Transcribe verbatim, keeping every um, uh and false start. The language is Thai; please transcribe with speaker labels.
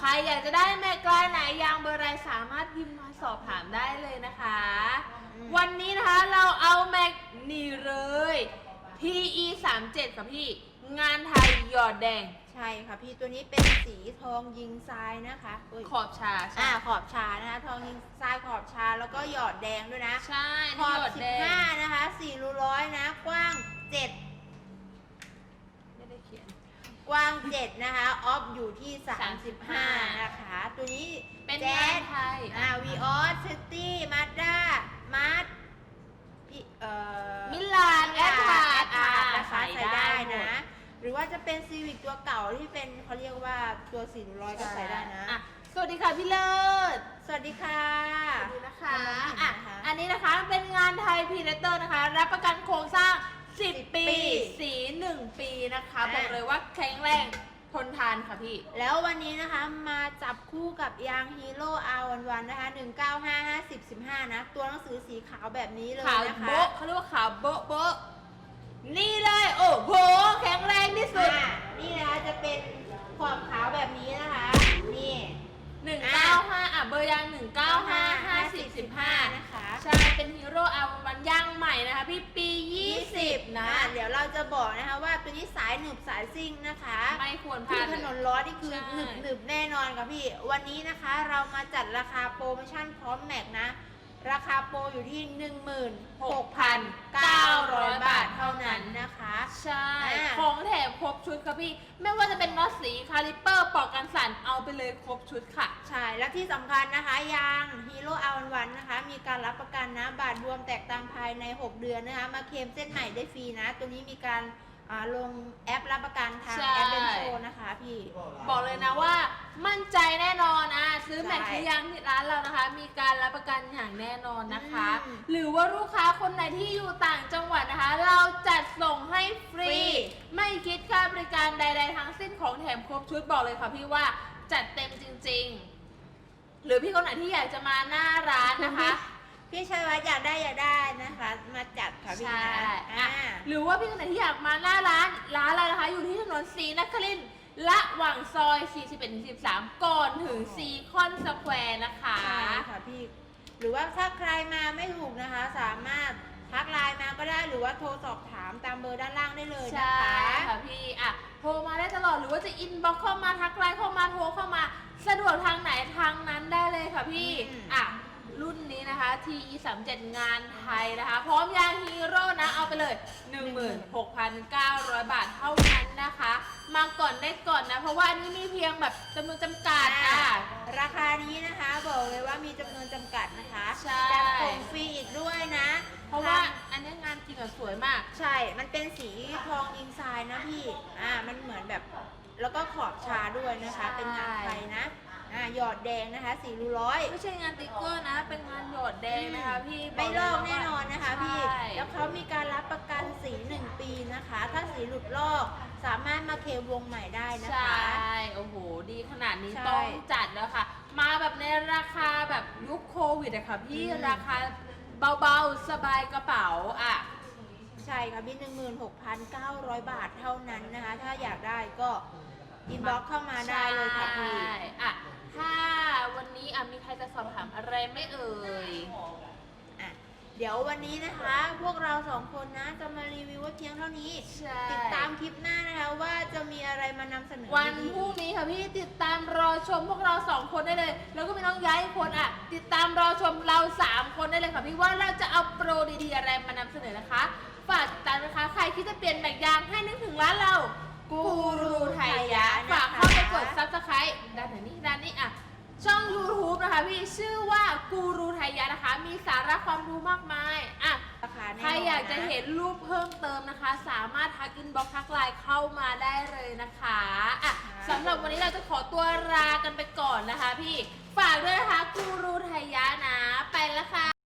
Speaker 1: ใครอยากจะได้แม็กลายไหนยางเบอร์ไรสามารถพิมพ์มาสอบถามได้เลยนะคะ วันนี้นะคะเราเอาแม็กนี่เลย พี อี สามเจ็ดค่ะพี่งานไทยหยอดแดง
Speaker 2: ใช่ค่ะพี่ตัวนี้เป็นสีทองยิงทรายนะคะ
Speaker 1: ขอบชา
Speaker 2: อ่าขอบชานะคะทองยิงทรายขอบชาแล้วก็หยอดแดงด้วยนะ
Speaker 1: ใช่
Speaker 2: ขอบสิบห้านะคะสี่รูร้อยนะกว้างเจ็ด
Speaker 1: ไม่ได้เขียน
Speaker 2: กว้างเจ็ดนะคะออฟอยู่ที่สามสิบห้านะคะตัวนี้
Speaker 1: เป็น
Speaker 2: แจ๊ส
Speaker 1: ไทย
Speaker 2: อ่าวีออสซิตี้มาด้ามาร์พี่เอ่อ
Speaker 1: มิลานแอดพาร์ด
Speaker 2: นะคะใส่ได้นะหรือว่าจะเป็นซีวิกตัวเก่าที่เป็นเขาเรียกว่าตัวสี่ร้อยก็ใส่ได้นะ
Speaker 1: สวัสดีค่ะพี่เลิศ
Speaker 2: สวัสดีค่ะ
Speaker 1: สวัสดีนะคะอ่ะอันนี้นะคะเป็นงานไทยพรีเดเตอร์นะคะรับประกันโครงสร้างสิบปีสีหนึ่งปีนะคะบอกเลยว่าแข็งแรงทนทานค่ะพี่
Speaker 2: แล้ววันนี้นะคะมาจับคู่กับยางฮีโร่ อาร์ วัน วัน นะคะหนึ่งเก้าห้า ห้าสิบ สิบห้านะตัวหนังสือสีขาวแบบนี้เลยนะคะ
Speaker 1: ขาวโบ๊ะเขาเรียกว่าขาวโบ๊ะโบ๊ะนี่เลยโอ้โหแข็งแรงที่สุด
Speaker 2: นี่นะคะจะเป็นขอบขาวแบบนี้นะคะนี่
Speaker 1: หนึ่งเก้าห้าอ่ะเบอร์ยางหนึ่งเก้าห้า ห้าสิบ สิบห้า
Speaker 2: นะคะ
Speaker 1: ใช่เป็นฮีโร่อาร์วันยางใหม่นะคะพี่ปียี่สิบนะ
Speaker 2: เดี๋ยวเราจะบอกนะคะว่าตัวนี้สายหนึบสายซิ่งนะคะ
Speaker 1: ไม่ควรพลาด
Speaker 2: ถนนร้อนนี่คือหนึบหนึบแน่นอนค่ะพี่วันนี้นะคะเรามาจัดราคาโปรโมชั่นพร้อมแม็กนะราคาโปรอยู่ที่ หนึ่งหมื่นหกพันเก้าร้อย บาทเท่านั้นนะคะ
Speaker 1: ใช่ของแถมครบชุดค่ะพี่ไม่ว่าจะเป็นน็อตสีคาลิปเปอร์ปอกกันสั่นเอาไปเลยครบชุดค่ะ
Speaker 2: ใช่และที่สำคัญนะคะยางฮีโร่อาร์วันนะคะมีการรับประกันนะบาทรวมแตกตามภายในหกเดือนนะคะมาเคลมเส้นใหม่ได้ฟรีนะตัวนี้มีการลงแอปรับประกันทางแอปเบนโซนะคะพี่
Speaker 1: บอกเลยนะว่ามั่นใจแน่นอนอ่ะซื้อแม็กซ์ซื้อยางที่ร้านเรานะคะมีการรับประกันอย่างแน่นอนนะคะหรือว่าลูกค้าคนไหนที่อยู่ต่างจังหวัดนะคะเราจัดส่งให้ฟรีไม่คิดค่าบริการใดๆทั้งสิ้นของแถมครบชุดบอกเลยค่ะพี่ว่าจัดเต็มจริงๆหรือพี่คนไหนที่อยากจะมาหน้าร้านนะคะ
Speaker 2: พี่ชัยวัฒน์อยากได้อยากได้นะคะมาจัดค่ะพี่นะ
Speaker 1: หรือว่าพี่คนไหนที่อยากมาหน้าร้านร้านอะไรนะคะอยู่ที่ถนนศรีนครินทร์ระหว่างซอยสี่สิบเอ็ดถึงสิบสามก่อนถึงซีคอนสแควร์นะคะ
Speaker 2: ใช่ค่ะพี่หรือว่าถ้าใครมาไม่ถูกนะคะสามารถทักไลน์มาก็ได้หรือว่าโทรสอบถามตามเบอร์ด้านล่างได้เลยนะคะ
Speaker 1: ใช่ค่ะพี่อ่ะโทรมาได้ตลอดหรือว่าจะอินบ็อกเข้ามาทักไลน์เข้ามาโทรเข้ามาสะดวกทางไหนทางนั้นได้เลยค่ะพี่อ่ะรุ่นนี้นะคะ ที อี สามเจ็ด งานไทยนะคะพร้อมยางฮีโร่นะเอาไปเลย หนึ่งหมื่นหกพันเก้าร้อย บาทเท่านั้นนะคะมาก่อนได้ก่อนนะเพราะว่าอันนี้มีเพียงแบบจำนวนจำกัดอ่ะ
Speaker 2: ราคานี้นะคะบอกเลยว่ามีจำนวนจำกัดนะคะ
Speaker 1: ใช่
Speaker 2: จัดส่งฟรีอีกด้วยนะ
Speaker 1: เพราะว่าอันนี้งานจริงอะสวยมาก
Speaker 2: ใช่มันเป็นสีทองยิงทรายนะพี่อ่ามันเหมือนแบบแล้วก็ขอบชาด้วยนะคะเป็นงานไทยนะอ่าหยอดแดงนะคะสี่รูร้อย
Speaker 1: ไม่ใช่งานติ๊กเกอร์นะเป็นงานหยอดแดงนะคะพี่
Speaker 2: ไม่ลอกแน่นอนนะคะพี่แล้วเขามีการรับประกันสีหนึ่งปีนะคะถ้าสีหลุดลอกสามารถมาเคลมวงใหม่ได้นะคะ
Speaker 1: ใช่โอ้โหดีขนาดนี้ต้องจัดแล้วค่ะมาแบบในราคาแบบยุคโควิดอะค่ะพี่ราคาเบาๆสบายกระเป๋าอ่ะ
Speaker 2: ใช่ค่ะพี่หนึ่งหมื่นหกพันเก้าร้อยบาทเท่านั้นนะคะถ้าอยากได้ก็อินบ็อกเข้ามาได้เลยค่ะพี่
Speaker 1: อ่ะถ้าวันนี้อ่ะมีใครจะสอบถามอะไรไม่เอ่ย
Speaker 2: อ่ะเดี๋ยววันนี้นะคะพวกเราสองคนนะจะมารีวิวไว้เพียงเท่านี้ติดตามคลิปหน้านะคะว่าจะมีอะไรมานำเสนอ
Speaker 1: วันพรุ่งนี้ค่ะพี่ติดตามรอชมพวกเราสองคนได้เลยแล้วก็มีน้องย้ายคนอ่ะติดตามรอชมเราสามคนได้เลยค่ะพี่ว่าเราจะเอาโปรดีๆอะไรมานำเสนอนะคะฝากติดตามนะคะใครที่จะเปลี่ยนแบกยางให้นึกถึงร้านเรากูรูไทยยะฝากเข้าไปกดซับสไครต์ด้านไหนนี่ด้านนี้อ่ะช่อง ยูทูบ นะคะพี่ชื่อว่ากูรูไทยยะนะคะมีสาระความรู้มากมายอ่ะใครอยากจะเห็นรูปเพิ่มเติมนะคะสามารถทักอินบ็อกซ์ทักไลน์เข้ามาได้เลยนะคะอ่ะสำหรับวันนี้เราจะขอตัวลากันไปก่อนนะคะพี่ฝากด้วยนะคะกูรูไทยยะนะไปแล้วค่ะ